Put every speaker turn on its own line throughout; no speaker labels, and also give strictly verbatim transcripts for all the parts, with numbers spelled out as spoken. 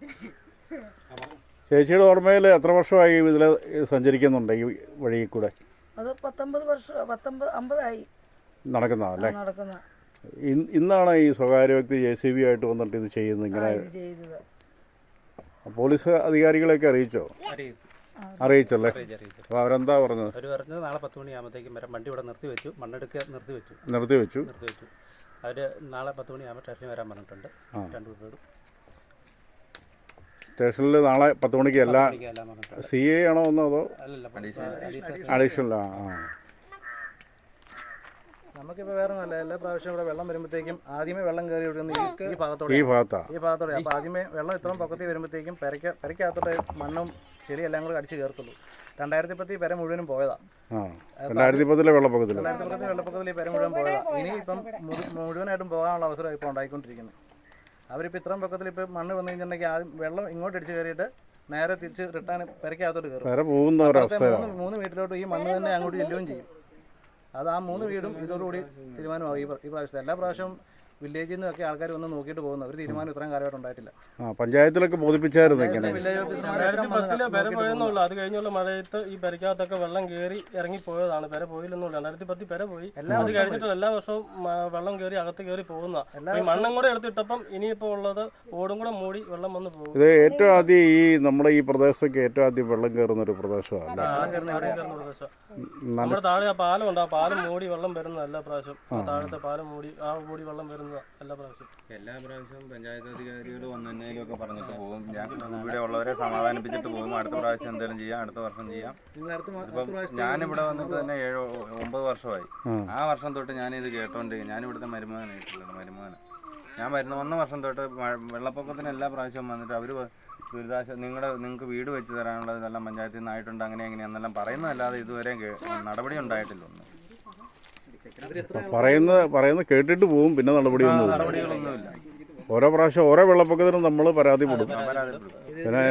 ചേച്ചിയുടെ ഓർമ്മയിൽ എത്ര വർഷമായി ഇതിൽ സഞ്ചരിക്കുന്നുണ്ട് ഈ വഴിയിൽ കൂടെ?
അത് പത്തൊമ്പത് വർഷം പത്തൊമ്പത് അമ്പതായി
നടക്കുന്നതല്ലേ?
നടക്കുന്ന
ഇന്നാണ് ഈ സ്വകാര്യ വ്യക്തി ജെ സി ബി ആയിട്ട് വന്നിട്ട് ഇത് ചെയ്യുന്നത് ഇങ്ങനെ
ചെയ്തത്.
പോലീസ് അധികാരികളെയൊക്കെ അറിയിച്ചോ? അറിയിച്ചല്ലേ? അപ്പോൾ അവരെന്താ പറഞ്ഞത്?
അവർ പറഞ്ഞത് നാളെ പത്ത് മണിയാകുമ്പോഴത്തേക്കും വരാം. വണ്ടി ഇവിടെ നിർത്തി വെച്ചു, മണ്ണെടുക്കുക നിർത്തി വെച്ചു
നിർത്തി വെച്ചു
നിർത്തി വെച്ചു അവർ നാളെ പത്ത് മണിയാകുമ്പോൾ സ്റ്റേഷനിൽ വരാൻ പറഞ്ഞിട്ടുണ്ട്. രണ്ടു പേരോടും
സ്റ്റേഷനിൽ നാളെ പത്ത് മണിക്ക് എല്ലാ സി എ ആണോ ഒന്നോ അതോ അഡീഷണൽ? ആ ആ
നമുക്കിപ്പോൾ വേറെ നല്ല എല്ലാ പ്രാവശ്യം ഇവിടെ വെള്ളം വരുമ്പോഴത്തേക്കും ആദ്യമേ വെള്ളം കയറി വിടുന്ന ഈ ഭാഗത്തോടെ
ഈ ഭാഗത്താ
ഈ ഭാഗത്തോടെ അപ്പോൾ ആദ്യമേ വെള്ളം ഇത്രയും പൊക്കത്തിൽ വരുമ്പോഴത്തേക്കും പെരയ്ക്ക പെരയ്ക്കകത്തോടെ മണ്ണും ചെളിയും എല്ലാം കൂടെ അടിച്ച് കയറത്തുള്ളൂ. രണ്ടായിരത്തി പത്തി പെര മുഴുവനും പോയതാണ്.
രണ്ടായിരത്തി പത്തിലെ വെള്ളപ്പൊക്കത്തിൽ
രണ്ടായിരത്തി പത്തിൽ വെള്ളപ്പൊക്കത്തിൽ ഈ പെര മുഴുവൻ പോയതാണ്. ഇനി ഇപ്പം മുഴുവനായിട്ടും പോകാനുള്ള അവസരം ഇപ്പോൾ ഉണ്ടായിക്കൊണ്ടിരിക്കുന്നത്. അവരിപ്പോൾ ഇത്രയും പൊക്കത്തിൽ ഇപ്പോൾ മണ്ണ് വന്നു കഴിഞ്ഞിട്ടുണ്ടെങ്കിൽ ആദ്യം വെള്ളം ഇങ്ങോട്ട് അടിച്ച് കയറിയിട്ട് നേരെ തിരിച്ച് റിട്ടേൺ പെരയ്ക്കകത്തോട്ട് കയറും. മൂന്ന് വീട്ടിലോട്ട് ഈ മണ്ണ് തന്നെ അങ്ങോട്ട് ചെല്ലുകയും ചെയ്യും. അത് ആ മൂന്ന് വീടും ഇതോടുകൂടി തീരുമാനമാകും. ഈ പ്രാവശ്യത്തെ എല്ലാ പ്രാവശ്യവും വില്ലേജിൽ നിന്നൊക്കെ ആൾക്കാർ വന്ന് നോക്കിയിട്ട് പോകുന്നു. ഒരു തീരുമാനം ഇത്രയും കാലമായിട്ട് ഉണ്ടായിട്ടില്ല.
പഞ്ചായത്തിലൊക്കെ ബോധിപ്പിച്ചായിരുന്നു.
പെര പോയെന്നുള്ളൂ. അത് കഴിഞ്ഞുള്ള മഴയത്ത് ഈ പെരക്കകത്തൊക്കെ വെള്ളം കയറി ഇറങ്ങി പോയതാണ്. പെര പോയില്ലെന്നുള്ളൂ. രണ്ടായിരത്തി പത്തി പെര പോയി. അത് കഴിഞ്ഞിട്ടുള്ള എല്ലാ വർഷവും വെള്ളം കയറി അകത്ത് കയറി പോകുന്ന ഈ മണ്ണും കൂടെ എടുത്തിട്ടപ്പം ഇനിയിപ്പോൾ ഉള്ളത് ഓടും കൂടെ മൂടി വെള്ളം വന്ന് പോകും.
ഇത് ഏറ്റവും ആദ്യം ഈ നമ്മുടെ ഈ പ്രദേശത്തൊക്കെ ഏറ്റവും ആദ്യം വെള്ളം കയറുന്ന ഒരു പ്രദേശമാണ്.
നമ്മുടെ താഴെ ആ പാലം ഉണ്ട്. ആ പാലം മൂടി വെള്ളം വരുന്ന എല്ലാ പ്രാവശ്യം താഴത്തെ പാലം മൂടി ആ മൂടി വെള്ളം വരുന്ന എല്ലാ പ്രാവശ്യം
എല്ലാ പ്രാവശ്യവും പഞ്ചായത്ത് അധികാരികൾ വന്നതിലും ഒക്കെ പറഞ്ഞിട്ട് പോകും. ഞാൻ ഇവിടെ ഉള്ളവരെ സമാധാനിപ്പിച്ചിട്ട് പോകും. അടുത്ത പ്രാവശ്യം എന്തെങ്കിലും ചെയ്യാം, അടുത്ത വർഷം ചെയ്യാം. ഇപ്പം ഞാനിവിടെ വന്നിട്ട് തന്നെ ഏഴോ ഒമ്പത് വർഷമായി. ആ വർഷം തൊട്ട് ഞാനിത് കേട്ടോണ്ട് ഞാനിവിടുത്തെ മരുമകനായിട്ടുള്ളത് മരുമകന് ഞാൻ വരുന്ന ഒന്ന് വർഷം തൊട്ട് വെള്ളപ്പൊക്കത്തിന് എല്ലാ പ്രാവശ്യവും വന്നിട്ട് അവർ ദുരിതാശ്വാസ നിങ്ങളുടെ നിങ്ങൾക്ക് വീട് വെച്ച് തരാനുള്ളത് ഇതെല്ലാം പഞ്ചായത്തിൽ നിന്നായിട്ടുണ്ട് അങ്ങനെ എങ്ങനെയാണെന്നെല്ലാം പറയുന്നതല്ലാതെ ഇതുവരെ നടപടി ഉണ്ടായിട്ടില്ല. ഒന്നും
പറയുന്നത് പറയുന്നത് കേട്ടിട്ട് പോവും, പിന്നെ നടപടിയൊന്നും
നടപടികളൊന്നുമില്ല.
ഓരോ പ്രാവശ്യം ഓരോ വെള്ളപ്പൊക്കത്തിനും നമ്മൾ പരാതിപ്പെടും.
പിന്നെ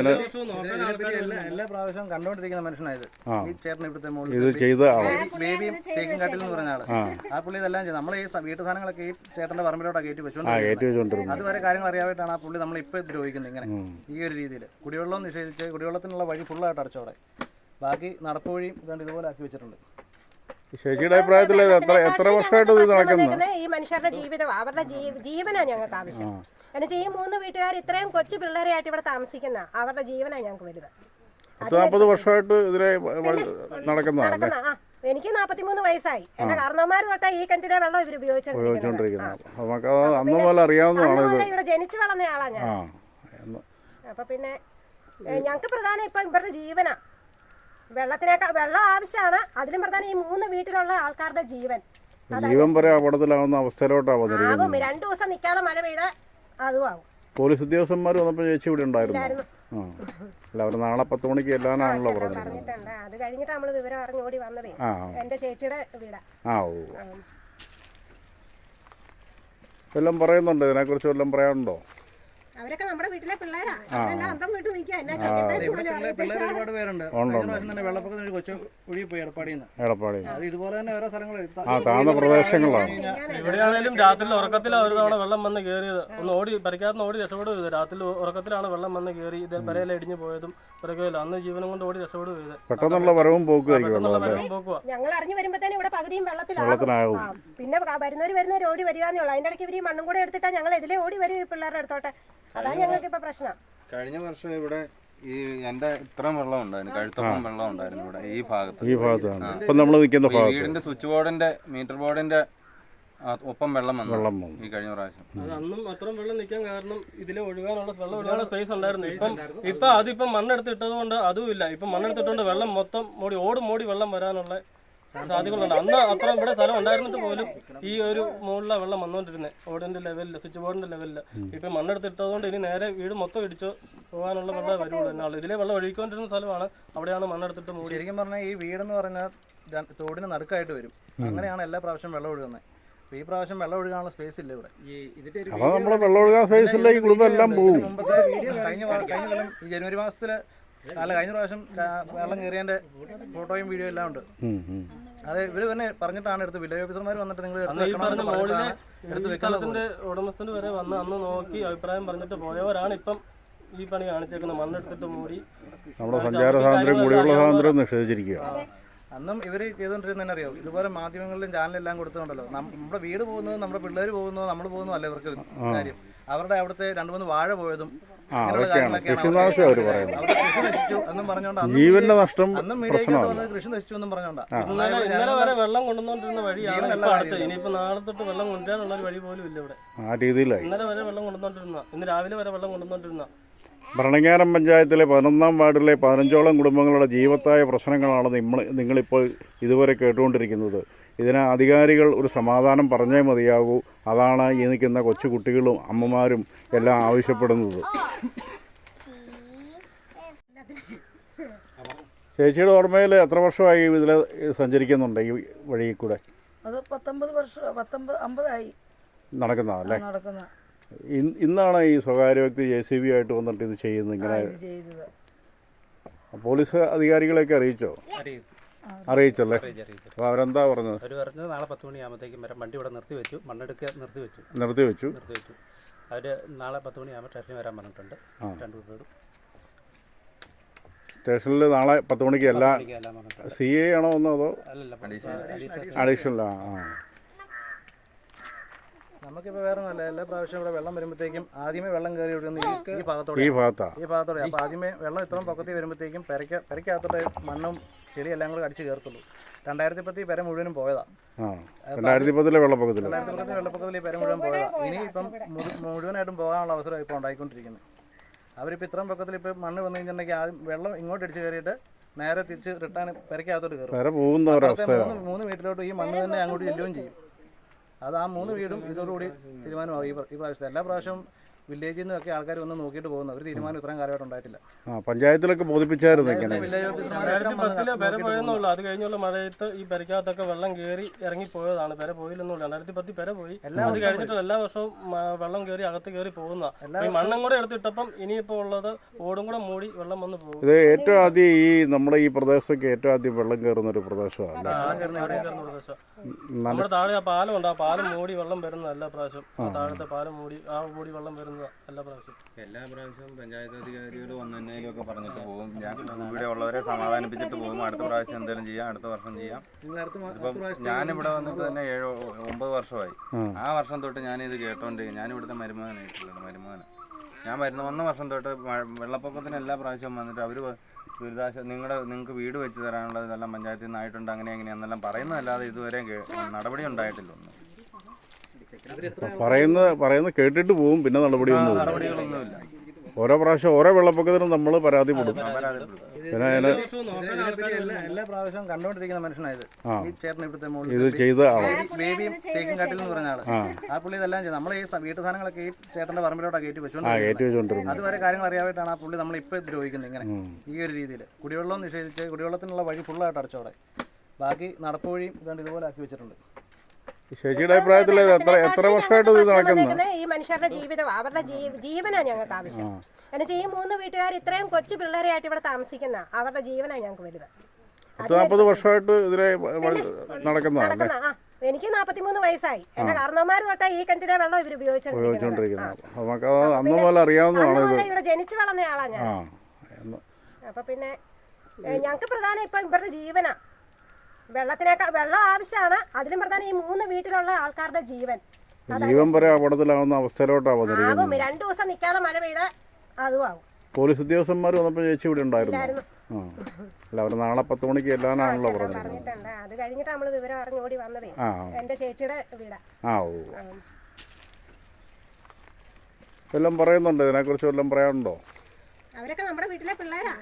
എല്ലാ പ്രാവശ്യവും കണ്ടുകൊണ്ടിരിക്കുന്ന മനുഷ്യനായത് ഈ ചേട്ടൻ ഇവിടുത്തെ
ഇത് ചെയ്ത
ബേബിയും തേക്കിൻകാട്ടിൽ എന്ന് പറഞ്ഞ ആള്. ആ പുള്ളി ഇതെല്ലാം ചെയ്ത് നമ്മൾ ഈ വീട്ടു സാധനങ്ങളൊക്കെ ഈ ചേട്ടന്റെ പറമ്പിലോട്ടാണ് കയറ്റി വെച്ചുകൊണ്ടിരിക്കുന്നത്. അതുവരെ കാര്യങ്ങൾ അറിയാനായിട്ടാണ് ആ പുള്ളി നമ്മൾ ഇപ്പൊ ദ്രോഹിക്കുന്നത് ഇങ്ങനെ ഈ ഒരു രീതിയിൽ. കുടിവെള്ളം നിഷേധിച്ച് കുടിവെള്ളത്തിനുള്ള വഴി ഫുള്ളായിട്ട് അടച്ചോടെ ബാക്കി നടപ്പ് വഴിയും ഇതുകൊണ്ട് ഇതുപോലെ ആക്കി വെച്ചിട്ടുണ്ട്.
ചേച്ചിയുടെ അഭിപ്രായത്തിൽ എത്ര എത്ര വർഷമായിട്ട് ഇത് നടക്കുന്നത്?
ഈ മനുഷ്യരുടെ ജീവിതം അവരുടെ ജീവനാണ് ഞങ്ങൾക്ക് ആവശ്യം. എന്നുവെച്ചാൽ ഈ മൂന്ന് വീട്ടുകാർ ഇത്രയും കൊച്ചു പിള്ളേരെയായിട്ട് ഇവിടെ താമസിക്കുന്ന അവരുടെ ജീവനാണ് ഞങ്ങൾക്ക് വലുത്.
പത്ത് നാൽപ്പത് വർഷമായിട്ട് ഇതിലെ നടക്കുന്നതാണ്.
എനിക്ക് നാൽപ്പത്തിമൂന്ന് വയസ്സായി. എന്റെ കാരണവന്മാർ തൊട്ടാ ഈ കിണറ്റിലെ വെള്ളം ഇവർ ഉപയോഗിച്ചോണ്ടിരിക്കുന്നത്. ഇവിടെ ജനിച്ചു വളർന്ന ആളാ ഞാൻ. അപ്പൊ പിന്നെ ഞങ്ങൾക്ക് പ്രധാനം ഇപ്പൊ ഇവരുടെ ജീവനാ. വെള്ളത്തിനേക്കാൾ വെള്ളം ആവശ്യമാണ്. അതിലും പ്രധാനം ഈ മൂന്ന് വീട്ടിലുള്ള ആൾക്കാരുടെ ജീവൻ
ജീവൻ വരെ അപകടത്തിലാവുന്ന അവസ്ഥയിലോട്ടാവും.
രണ്ടു ദിവസം നിൽക്കാതെ മഴ പെയ്താൽ അതും ആവും.
പോലീസ് ഉദ്യോഗസ്ഥന്മാർ വന്നപ്പോൾ ചേച്ചി ഇവിടെ ഉണ്ടായിരുന്നു. അല്ല അവർ നാളെ പത്ത് മണിക്ക് എല്ലാനാണല്ലോ പറഞ്ഞിട്ടുണ്ട്.
അത് കഴിഞ്ഞിട്ട് നമ്മള് വിവരം അറിഞ്ഞോടി വന്നതേ. എന്റെ ചേച്ചിയുടെ വീടാ.
ആ ഓ എല്ലാം പറയുന്നുണ്ട്. ഇതിനെക്കുറിച്ച് വല്ലതും പറയാനുണ്ടോ?
അവരൊക്കെ നമ്മുടെ വീട്ടിലെ പിള്ളേരാ.
പിള്ളേർ ഒരുപാട് പേരുണ്ട്. വെള്ളപ്പൊക്കത്തിന് കൊച്ചു ഒഴുകി പോയി എടപ്പാടിന്ന്. അത് ഇതുപോലെ തന്നെ ഓരോ സ്ഥലങ്ങളിൽ
താഴ്ന്ന പ്രദേശങ്ങളാണ്.
ഇവിടെയാണെങ്കിലും രാത്രി ഉറക്കത്തിലാണ് ഒരു തവണ വെള്ളം വന്ന് കയറിയത്. ഒന്ന് ഓടി പരിക്കാത്ത ഓടി രക്ഷപ്പെടുക. രാത്രി ഉറക്കത്തിലാണ് വെള്ളം വന്ന് കയറി ഇത് പെരയില ഇടിഞ്ഞു പോയതും പിറകില്ല. അന്ന് ജീവനം കൊണ്ട് ഓടി രക്ഷപ്പെടുക.
പെട്ടെന്നുള്ള വരവും പോക്കുമായിരിക്കും.
ഞങ്ങൾ അറിഞ്ഞു വരുമ്പോഴത്തേനും ഇവിടെ പകുതിയും വെള്ളത്തിലാവും. പിന്നെ വരുന്നവര് വരുന്നവർ ഓടി വരികയെന്നുള്ളൂ. അതിന്റെ ഇടയ്ക്ക് ഇവർ ഈ മണ്ണും കൂടെ എടുത്തിട്ടാ ഞങ്ങൾ ഇതിലെ ഓടി വരും പിള്ളേരുടെ അടുത്തോട്ടെ. അതാണ് ഞങ്ങൾക്ക് ഇപ്പൊ പ്രശ്നം.
കഴിഞ്ഞ വർഷം ഇവിടെ ഈ എന്റെ ഇത്രയും വെള്ളം ഉണ്ടായിരുന്നു. കഴുത്തോളം വെള്ളം ഉണ്ടായിരുന്നു ഇവിടെ ഈ ഭാഗത്ത്.
ഈ ഭാഗത്താണ് ഇപ്പൊ നമ്മൾ നിൽക്കുന്ന ഭാഗത്ത്.
വീടിന്റെ സ്വിച്ച് ബോർഡിന്റെ മീറ്റർ ബോർഡിന്റെ ഒപ്പം വെള്ളം വന്നു വെള്ളം വന്നു ഈ കഴിഞ്ഞ പ്രാവശ്യം.
അത് അന്നും അത്രയും വെള്ളം നിൽക്കാൻ കാരണം ഇതിലെ ഒഴുകാനുള്ള വെള്ളം ഒഴുകാനുള്ള സ്പേസ് ഉണ്ടായിരുന്നു. ഇപ്പം ഇപ്പൊ അതിപ്പം മണ്ണെടുത്തിട്ടത് കൊണ്ട് അതും ഇല്ല. ഇപ്പം മണ്ണെടുത്തിട്ടുണ്ട് വെള്ളം മൊത്തം മൂടി ഓടും മൂടി വെള്ളം വരാനുള്ള സാധ്യതകളുണ്ട്. അന്ന് അത്ര ഇവിടെ സ്ഥലം ഉണ്ടായിരുന്നിട്ട് പോലും ഈ ഒരു മുകളിലെ വെള്ളം വന്നുകൊണ്ടിരുന്നത് ഓടിന്റെ ലെവലില് സ്വിച്ച് ബോർഡിന്റെ ലെവലില്. ഇപ്പൊ മണ്ണെടുത്തിട്ടതുകൊണ്ട് ഇനി നേരെ വീട് മൊത്തം ഇടിച്ച് പോകാനുള്ള വെള്ളം വരുള്ളൂ എന്നാണ്. ഇതിലെ വെള്ളം ഒഴുകിക്കൊണ്ടിരുന്ന സ്ഥലമാണ്. അവിടെയാണ് മണ്ണെടുത്തിട്ട് മൂടി.
ശരിക്കും പറഞ്ഞാൽ ഈ വീടെന്ന് പറഞ്ഞാൽ തോടിന് നടുക്കായിട്ട് വരും. അങ്ങനെയാണ് എല്ലാ പ്രാവശ്യം വെള്ളം ഒഴുകുന്നത്. ഈ പ്രാവശ്യം വെള്ളം ഒഴുകാനുള്ള സ്പേസ് ഇല്ല ഇവിടെ. മുമ്പത്തെ കഴിഞ്ഞ കഴിഞ്ഞ കൊല്ലം ഈ ജനുവരി മാസത്തില് അല്ല കഴിഞ്ഞ പ്രാവശ്യം വെള്ളം കയറിയതിന്റെ ഫോട്ടോയും വീഡിയോ എല്ലാം ഉണ്ട്. അത് ഇവര് തന്നെ പറഞ്ഞിട്ടാണ് എടുത്ത് വില്ലേജ് ഓഫീസർമാർ വന്നിട്ട് നിങ്ങൾ
സ്ഥലത്തിന്റെ ഉടമസ്ഥന് വരെ വന്ന് അന്ന് നോക്കി അഭിപ്രായം പറഞ്ഞിട്ട് പോയവരാണ് ഇപ്പം ഈ പണി കാണിച്ചേക്കുന്നത്. മണ്ണെടുത്തിട്ട് മൂടി
നമ്മുടെ സഞ്ചാര സ്വാതന്ത്ര്യം കുടിവെള്ള സ്വാതന്ത്ര്യം നിഷേധിച്ചിരിക്കുക.
അന്നും ഇവർ ചെയ്തുകൊണ്ടിരുന്നതെന്ന് അറിയാം, ഇതുപോലെ മാധ്യമങ്ങളിലും ചാനലെല്ലാം കൊടുത്തുകൊണ്ടല്ലോ നമ്മുടെ വീട് പോകുന്നത്, നമ്മുടെ പിള്ളേർ പോകുന്നതോ നമ്മൾ പോകുന്നതോ അല്ല ഇവർക്ക് കാര്യം. അവരുടെ അവിടുത്തെ രണ്ട് മൂന്ന് വാഴ പോയതും ഇങ്ങനെയുള്ള കാര്യങ്ങളൊക്കെയാണ് എന്നും പറഞ്ഞുകൊണ്ട്
ജീവന്റെ നഷ്ടം
അന്നും മീഡിയയ്ക്കകത്ത് വന്നത് കൃഷി നശിച്ചു എന്നും പറഞ്ഞോണ്ടാ.
ഇന്നലെ ഇന്നലെ വരെ വെള്ളം കൊണ്ടുവന്നോണ്ടിരുന്ന വഴിയാണ് ഇപ്പൊ അടുത്ത്. ഇനിയിപ്പോ നാളെ തൊട്ട് വെള്ളം കൊണ്ടുവരാനുള്ള ഒരു വഴി പോലും ഇല്ല ഇവിടെ.
ആ രീതിയിലായി.
ഇന്നലെ വരെ വെള്ളം കൊണ്ടുവന്നോണ്ടിരുന്ന, ഇന്ന് രാവിലെ വരെ വെള്ളം കൊണ്ടുവന്നോണ്ടിരുന്ന.
ഭരണങ്ങാനം പഞ്ചായത്തിലെ പതിനൊന്നാം വാർഡിലെ പതിനഞ്ചോളം കുടുംബങ്ങളുടെ ജീവത്തായ പ്രശ്നങ്ങളാണ് നിങ്ങൾ നിങ്ങളിപ്പോൾ ഇതുവരെ കേട്ടുകൊണ്ടിരിക്കുന്നത്. ഇതിന് അധികാരികൾ ഒരു സമാധാനം പറഞ്ഞേ മതിയാകൂ. അതാണ് ഈ നിൽക്കുന്ന കൊച്ചു കുട്ടികളും അമ്മമാരും എല്ലാം ആവശ്യപ്പെടുന്നത്. ചേച്ചിയുടെ ഓർമ്മയിൽ എത്ര വർഷമായി ഇതിൽ സഞ്ചരിക്കുന്നുണ്ട് ഈ വഴിയിൽ കൂടെ?
അത് പത്തൊമ്പത് വർഷം പത്തൊമ്പത് അമ്പതായി
നടക്കുന്നതല്ലേ?
നടക്കുന്ന
ഇന്നാണ് ഈ സ്വകാര്യ വ്യക്തി ജെ സി ബി ആയിട്ട് വന്നിട്ട് ഇത് ചെയ്യുന്നത് ഇങ്ങനെ?
ചെയ്തത്
പോലീസ് അധികാരികളെയൊക്കെ അറിയിച്ചോ? അറിയിച്ചല്ലേ? അപ്പോൾ അവരെന്താ പറഞ്ഞത്?
അവർ പറഞ്ഞത് നാളെ പത്ത് മണിയാകുമ്പോഴത്തേക്കും വരാം. വണ്ടി ഇവിടെ നിർത്തി വെച്ചു, മണ്ണെടുക്കുക നിർത്തി വെച്ചു
നിർത്തി വെച്ചു
നിർത്തി വെച്ചു അവർ നാളെ പത്ത് മണിയാകുമ്പോൾ സ്റ്റേഷനിൽ വരാൻ പറഞ്ഞിട്ടുണ്ട്. രണ്ടു പേരും
സ്റ്റേഷനിൽ നാളെ പത്ത് മണിക്ക് എല്ലാ
എല്ലാം പറഞ്ഞിട്ടുണ്ട്.
സി എ ആണോ ഒന്നോ അതോ
അഡീഷണൽ
അഡീഷണൽ? ആ ആ
നമുക്കിപ്പോൾ വേറെ നല്ല എല്ലാ പ്രാവശ്യം ഇവിടെ വെള്ളം വരുമ്പോഴത്തേക്കും ആദ്യമേ വെള്ളം കയറി വിടുന്ന ഈ ഈ ഭാഗത്തോടെ
ഈ ഭാഗത്താ
ഈ ഭാഗത്തോടെ അപ്പോൾ ആദ്യമേ വെള്ളം ഇത്രയും പൊക്കത്തിൽ വരുമ്പോഴത്തേക്കും പെരയ്ക്ക പെരയ്ക്കകത്തോടെ മണ്ണും ചെളി എല്ലാം കൂടെ അടിച്ച് കയറത്തുള്ളൂ. രണ്ടായിരത്തി പത്തി പെര മുഴുവനും പോയതാ.
ആ രണ്ടായിരത്തി പത്തിലെ വെള്ളപ്പൊക്കത്തിൽ
രണ്ടായിരത്തി പത്തിൽ വെള്ളപ്പൊക്കത്തിൽ ഈ പെര മുഴുവൻ പോയതാ. ഇനി ഇപ്പം മുഴുവനായിട്ടും പോകാനുള്ള അവസരം ഇപ്പോൾ ഉണ്ടായിക്കൊണ്ടിരിക്കുന്നത്. അവരിപ്പോൾ ഇത്രയും പൊക്കത്തിൽ ഇപ്പോൾ മണ്ണ് വന്നു കഴിഞ്ഞിട്ടുണ്ടെങ്കിൽ ആദ്യം വെള്ളം ഇങ്ങോട്ട് അടിച്ച് കയറിയിട്ട് നേരെ തിരിച്ച് റിട്ടേൺ പെരയ്ക്കകത്തോട്ട് കയറും.
വരെ പോകുന്ന ഒരവസ്ഥയാണ്.
മൂന്ന് വീട്ടിലോട്ട് ഈ മണ്ണ് തന്നെ അങ്ങോട്ട് ചെല്ലുകയും ചെയ്യും. അത് ആ മൂന്ന് വീടും ഇതോടുകൂടി തീരുമാനമാകും. ഈ ഈ പ്രാവശ്യത്തെ എല്ലാ പ്രാവശ്യവും വില്ലേജിൽ നിന്നൊക്കെ ആൾക്കാർ വന്ന് നോക്കിയിട്ട് പോകുന്ന ഒരു തീരുമാനം ഇത്രയും കാലമായിട്ട് ഉണ്ടായിട്ടില്ല.
ആ പഞ്ചായത്തിലൊക്കെ ബോധിപ്പിച്ചായിരുന്നു ഇങ്ങനെ.
രണ്ടായിരത്തി പത്തിലെ പെര പോയെന്നുള്ളൂ. അത് കഴിഞ്ഞുള്ള മഴയത്ത് ഈ പെരക്കകത്തൊക്കെ വെള്ളം കയറി ഇറങ്ങി പോയതാണ്. പെര പോയില്ലെന്നുള്ളൂ. രണ്ടായിരത്തി പത്തി പെര പോയി. അത് കഴിഞ്ഞിട്ടുള്ള എല്ലാ വർഷവും വെള്ളം കയറി അകത്ത് കയറി പോകുന്ന ഈ മണ്ണും കൂടെ എടുത്തിട്ടപ്പം ഇനിയിപ്പോൾ ഉള്ളത് ഓടും കൂടെ മൂടി വെള്ളം വന്ന് പോകും.
ഇത് ഏറ്റവും ആദ്യം ഈ നമ്മുടെ ഈ പ്രദേശത്തൊക്കെ ഏറ്റവും ആദ്യം വെള്ളം കയറുന്ന ഒരു പ്രദേശമാണ്.
നമ്മുടെ താഴെ ആ പാലം ഉണ്ട്. ആ പാലം മൂടി വെള്ളം വരുന്നത് എല്ലാ പ്രാവശ്യം. ആ താഴത്തെ പാലം മൂടി ആ മൂടി വെള്ളം വരുന്നത് എല്ലാ പ്രാവശ്യം
എല്ലാ പ്രാവശ്യവും പഞ്ചായത്ത് അധികാരികൾ വന്നതിലൊക്കെ പറഞ്ഞിട്ട് പോകും. ഞാൻ ഇവിടെ ഉള്ളവരെ സമാധാനിപ്പിച്ചിട്ട് പോകും. അടുത്ത പ്രാവശ്യം എന്തെങ്കിലും ചെയ്യാം, അടുത്ത വർഷം ചെയ്യാം. ഇപ്പം ഞാനിവിടെ വന്നിട്ട് തന്നെ ഏഴോ ഒമ്പത് വർഷമായി. ആ വർഷം തൊട്ട് ഞാനിത് കേട്ടോണ്ടിരിക്കും. ഞാനിവിടുത്തെ മരുമകനായിട്ടുള്ളത് മരുമകന് ഞാൻ വരുന്ന വന്ന വർഷം തൊട്ട് വെള്ളപ്പൊക്കത്തിന് എല്ലാ പ്രാവശ്യവും വന്നിട്ട് അവർ ദുരിതാശ നിങ്ങളുടെ നിങ്ങൾക്ക് വീട് വെച്ച് തരാനുള്ളത് ഇതെല്ലാം പഞ്ചായത്തിൽ നിന്നായിട്ടുണ്ട് അങ്ങനെ എങ്ങനെയാണെന്നെല്ലാം പറയുന്നതല്ലാതെ ഇതുവരെ നടപടി ഉണ്ടായിട്ടില്ല. ഒന്നും
പറയുന്നത് പറയുന്നത് കേട്ടിട്ട് പോവും, പിന്നെ നടപടിയൊന്നും
നടപടികളൊന്നുമില്ല.
ഓരോ പ്രാവശ്യം ഓരോ വെള്ളപ്പൊക്കത്തിനും നമ്മൾ പരാതിപ്പെടും. പിന്നെ അതിന്
എല്ലാ പ്രാവശ്യവും കണ്ടുകൊണ്ടിരിക്കുന്ന മനുഷ്യനായത് ഈ ചേട്ടൻ ഇവിടുത്തെ
ഇത് ചെയ്ത ആളാണ്.
ബേബിയും തേക്കിൻകാട്ടിൽ എന്ന് പറഞ്ഞ ആള്. ആ പുള്ളി ഇതെല്ലാം ചെയ്ത് നമ്മൾ ഈ വീട്ടു സാധനങ്ങളൊക്കെ ഈ ചേട്ടന്റെ പറമ്പിലോട്ടാണ് കയറ്റി വെച്ചുകൊണ്ട് അതുവരെ കാര്യങ്ങൾ അറിയാനായിട്ടാണ് ആ പുള്ളി നമ്മളിപ്പോൾ ദ്രോഹിക്കുന്നത്. ഇങ്ങനെ ഈ ഒരു രീതിയിൽ കുടിവെള്ളം നിഷേധിച്ച് കുടിവെള്ളത്തിനുള്ള വഴി ഫുള്ളായിട്ട് അടച്ചോടെ ബാക്കി നടപ്പ് വഴിയും ഇതുകൊണ്ട് ഇതുപോലെ ആക്കി വെച്ചിട്ടുണ്ട്.
ചേച്ചിയുടെ അഭിപ്രായത്തിൽ എത്ര എത്ര വർഷമായിട്ട് ഇത് നടക്കുന്നത്?
ഈ മനുഷ്യരുടെ ജീവിതം അവരുടെ ജീവനാണ് ഞങ്ങൾക്ക് ആവശ്യം. എന്നുവെച്ചാൽ ഈ മൂന്ന് വീട്ടുകാർ ഇത്രയും കൊച്ചു പിള്ളേരെയായിട്ട് ഇവിടെ താമസിക്കുന്ന അവരുടെ ജീവനാണ് ഞങ്ങൾക്ക് വലുത്.
പത്ത് നാൽപ്പത് വർഷമായിട്ട് ഇതിലെ നടക്കുന്നതാണ്.
ആ എനിക്ക് നാൽപ്പത്തിമൂന്ന് വയസ്സായി. എന്റെ കാരണവന്മാർ തൊട്ടാ ഈ കിണറ്റിലെ വെള്ളം ഇവർ
ഉപയോഗിച്ചോണ്ടിരിക്കുന്നത്. നമുക്ക് അന്ന് പോലെ അറിയാവുന്നതാണ് ഇത്.
ഇവിടെ ജനിച്ചു വളർന്ന ആളാ ഞാൻ. അപ്പൊ പിന്നെ ഞങ്ങൾക്ക് പ്രധാനം ഇപ്പൊ ഇവരുടെ ജീവനാ. വെള്ളത്തിനേക്കാൾ വെള്ളം ആവശ്യമാണ്. അതിലും പ്രധാനം ഈ മൂന്ന് വീട്ടിലുള്ള ആൾക്കാരുടെ ജീവൻ
ജീവൻ വരെ അപകടത്തിലാവുന്ന അവസ്ഥയിലോട്ടാണ്
ആകും. രണ്ടു ദിവസം നിൽക്കാതെ മഴ പെയ്ത അതും ആകും.
പോലീസ് ഉദ്യോഗസ്ഥന്മാർ വന്നപ്പോൾ ചേച്ചി ഇവിടെ ഉണ്ടായിരുന്നു. ആ അല്ല അവർ നാളെ പത്ത് മണിക്ക് എല്ലാനാണല്ലോ പറഞ്ഞിട്ടുണ്ട്.
അത് കഴിഞ്ഞിട്ട് നമ്മള് വിവരം അറിഞ്ഞോടി വന്നതേ. എന്റെ ചേച്ചിയുടെ വീടാ.
ആ ഓ എല്ലാം പറയുന്നുണ്ട്. ഇതിനെക്കുറിച്ച് വല്ലതും പറയാനുണ്ടോ?
അവരൊക്കെ നമ്മുടെ വീട്ടിലെ പിള്ളേരാ.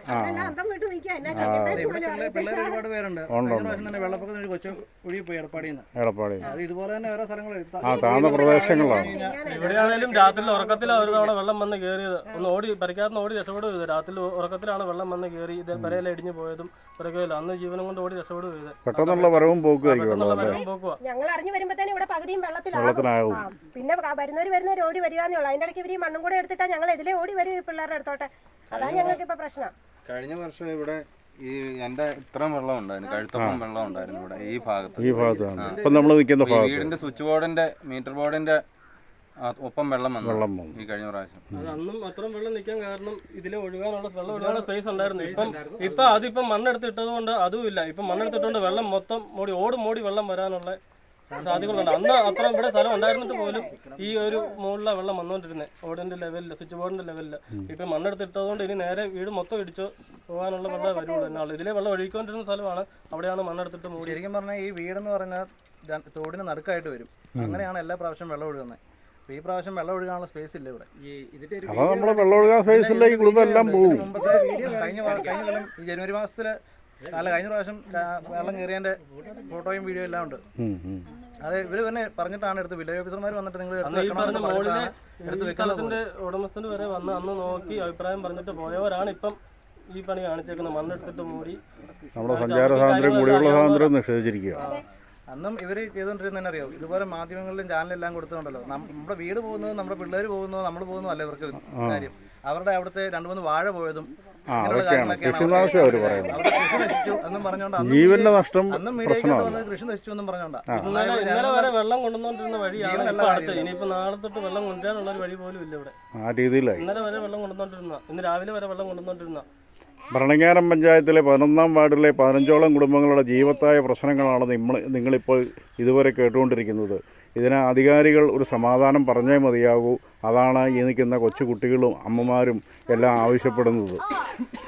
പിള്ളേർ ഒരുപാട് പേരുണ്ട്. വെള്ളപ്പൊക്കത്തിന് കൊച്ചു ഒഴുകി പോയി എടപ്പാടിയിൽ നിന്ന്. ഇതുപോലെ തന്നെ ഓരോ സ്ഥലങ്ങളിൽ
ആ താഴ്ന്ന പ്രദേശങ്ങളാണ്.
ഇവിടെയാണെങ്കിലും രാത്രി ഉറക്കത്തിലാണ് ഒരു തവണ വെള്ളം വന്ന് കയറിയത്. ഒന്ന് ഓടി പരിക്കാത്ത ഓടി രക്ഷപ്പെടുക. രാത്രി ഉറക്കത്തിലാണ് വെള്ളം വന്ന് കയറി ഇത് പെരയില ഇടിഞ്ഞു പോയതും പിറകില്ല. അന്ന് ജീവനം കൊണ്ട് ഓടി രക്ഷപ്പെടുക ചെയ്ത്
പെട്ടെന്നുള്ള വരവും പോക്കുമായിരിക്കും.
ഞങ്ങൾ അറിഞ്ഞു വരുമ്പോഴത്തേനും ഇവിടെ പകുതിയും വെള്ളത്തിലാകും. പിന്നെ വരുന്നവർ വരുന്നവർ ഓടി വരികയെന്നുള്ളൂ. അതിന്റെ ഇടയ്ക്ക് ഇവർ ഈ മണ്ണും കൂടെ എടുത്തിട്ടാ ഞങ്ങൾ ഇതിലെ ഓടി വരും ഈ പിള്ളേരുടെ അടുത്തോട്ടെ. അതാണ് ഞങ്ങൾക്ക് ഇപ്പൊ പ്രശ്നം.
കഴിഞ്ഞ വർഷം ഇവിടെ ഈ എന്റെ ഇത്രയും വെള്ളം ഉണ്ടായിരുന്നു. കഴുത്തപ്പം വെള്ളം ഉണ്ടായിരുന്നു ഇവിടെ ഈ ഭാഗത്ത്.
ഈ ഭാഗത്താണ് ഇപ്പം നമ്മൾ നിൽക്കുന്ന ഭാഗത്ത്.
വീടിന്റെ സ്വിച്ച് ബോർഡിന്റെ മീറ്റർ ബോർഡിന്റെ ആ, ഒപ്പം വെള്ളം വന്നു
വെള്ളം വന്നു.
ഈ കഴിഞ്ഞ പ്രാവശ്യം.
അത് അന്നും അത്രയും വെള്ളം നിൽക്കാൻ കാരണം ഇതിലെ ഒഴുകാനുള്ള വെള്ളം ഒഴുകാനുള്ള സ്പേസ് ഉണ്ടായിരുന്നു. ഇപ്പം ഇപ്പൊ അതിപ്പം മണ്ണെടുത്ത് ഇട്ടത് കൊണ്ട് അതും ഇല്ല. ഇപ്പം മണ്ണെടുത്തിട്ടുണ്ട് വെള്ളം മൊത്തം മൂടി ഓടും മൂടി വെള്ളം വരാനുള്ള സാധ്യതകളുണ്ട്. അന്ന് അത്ര ഇവിടെ സ്ഥലം ഉണ്ടായിരുന്നിട്ട് പോലും ഈ ഒരു മുകളിലെ വെള്ളം വന്നുകൊണ്ടിരുന്നത് ഓടിന്റെ ലെവലില്, സ്വിച്ച് ബോർഡിന്റെ ലെവലില്. ഇപ്പൊ മണ്ണെടുത്തിട്ടതുകൊണ്ട് ഇനി നേരെ വീട് മൊത്തം ഇടിച്ച് പോകാനുള്ള വെള്ളം വരുള്ളൂ എന്നാണ്. ഇതിലെ വെള്ളം ഒഴുകിക്കൊണ്ടിരുന്ന സ്ഥലമാണ്, അവിടെയാണ് മണ്ണെടുത്തിട്ട് മൂടി.
ശരിക്കും പറഞ്ഞാൽ ഈ വീടെന്ന് പറഞ്ഞാൽ ര- തോടിന് നടുക്കായിട്ട് വരും. അങ്ങനെയാണ് എല്ലാ പ്രാവശ്യം വെള്ളം ഒഴുകുന്നത്. അപ്പോൾ ഈ പ്രാവശ്യം വെള്ളം ഒഴുകാനുള്ള സ്പേസ് ഇല്ല ഇവിടെ.
അപ്പോൾ നമ്മൾ വെള്ളം ഒഴുകാൻ സ്പേസില്ല, ഈ കുടുംബം എല്ലാം പോകും.
മുമ്പത്തെ കഴിഞ്ഞ വാ- കഴിഞ്ഞ കൊല്ലം ഈ ജനുവരി മാസത്തില് അല്ല കഴിഞ്ഞ പ്രാവശ്യം ക- വെള്ളം കയറിയതിന്റെ ഫോട്ടോയും വീഡിയോ എല്ലാം ഉണ്ട്.
ഉം, ഉം.
അത് ഇവര് തന്നെ പറഞ്ഞിട്ടാണ് എടുത്ത് വില്ലേജ് ഓഫീസർമാർ വന്നിട്ട് നിങ്ങൾ
അന്ന് ഈ പറഞ്ഞ മോളിലെ
എടുത്ത്
ഈ
വെക്കുന്നത്
സ്ഥലത്തിന്റെ ഉടമസ്ഥന് വരെ വന്ന് അന്ന് നോക്കി അഭിപ്രായം പറഞ്ഞിട്ട് പോയവരാണ് ഇപ്പം ഈ പണി കാണിച്ചേക്കുന്നത്. മണ്ണെടുത്തിട്ട് മൂടി
നമ്മുടെ സഞ്ചാര സ്വാതന്ത്ര്യം, കുടിവെള്ള സ്വാതന്ത്ര്യം നിഷേധിച്ചിരിക്കുക.
അന്നും ഇവർ ചെയ്തുകൊണ്ടിരുന്നതെന്ന് അറിയാം, ഇതുപോലെ മാധ്യമങ്ങളിലും ചാനലെല്ലാം കൊടുത്തുകൊണ്ടല്ലോ. നമ്മുടെ വീട് പോകുന്നത്, നമ്മുടെ പിള്ളേർ പോകുന്നതോ നമ്മൾ പോകുന്നതോ അല്ല ഇവർക്ക് കാര്യം. അവരുടെ അവിടുത്തെ രണ്ടു മൂന്ന് വാഴ പോയതും ഇങ്ങനെയുള്ള കാര്യങ്ങളൊക്കെയാണ്
കൃഷിനാശം അവർ പറയുന്നത്.
അവരുടെ കൃഷി നശിച്ചു എന്നും പറഞ്ഞുകൊണ്ട് അന്നും
ജീവന്റെ നഷ്ടം
അന്നും മീഡിയയ്ക്ക്
പ്രശ്നമാണ്.
വന്നത് കൃഷി നശിച്ചു എന്നും പറഞ്ഞോണ്ടാ.
ഇന്നലെ ഇന്നലെ വരെ വെള്ളം കൊണ്ടുവന്നോണ്ടിരുന്ന വഴിയാണ് ഇപ്പൊ അടുത്ത്. ഇനിയിപ്പോ നാളെ തൊട്ട് വെള്ളം കൊണ്ടുവരാനുള്ള ഒരു വഴി പോലും ഇല്ല ഇവിടെ.
ആ രീതിയിലായി.
ഇന്നലെ വരെ വെള്ളം കൊണ്ടുവന്നോണ്ടിരുന്ന, ഇന്ന് രാവിലെ വരെ വെള്ളം കൊണ്ടുവന്നോണ്ടിരുന്ന.
ഭരണങ്ങാനം പഞ്ചായത്തിലെ പതിനൊന്നാം വാർഡിലെ പതിനഞ്ചോളം കുടുംബങ്ങളുടെ ജീവത്തായ പ്രശ്നങ്ങളാണ് നിങ്ങൾ നിങ്ങളിപ്പോൾ ഇതുവരെ കേട്ടുകൊണ്ടിരിക്കുന്നത്. ഇതിന് അധികാരികൾ ഒരു സമാധാനം പറഞ്ഞേ മതിയാകൂ. അതാണ് ഈ നിൽക്കുന്ന കൊച്ചു കുട്ടികളും അമ്മമാരും എല്ലാം ആവശ്യപ്പെടുന്നത്.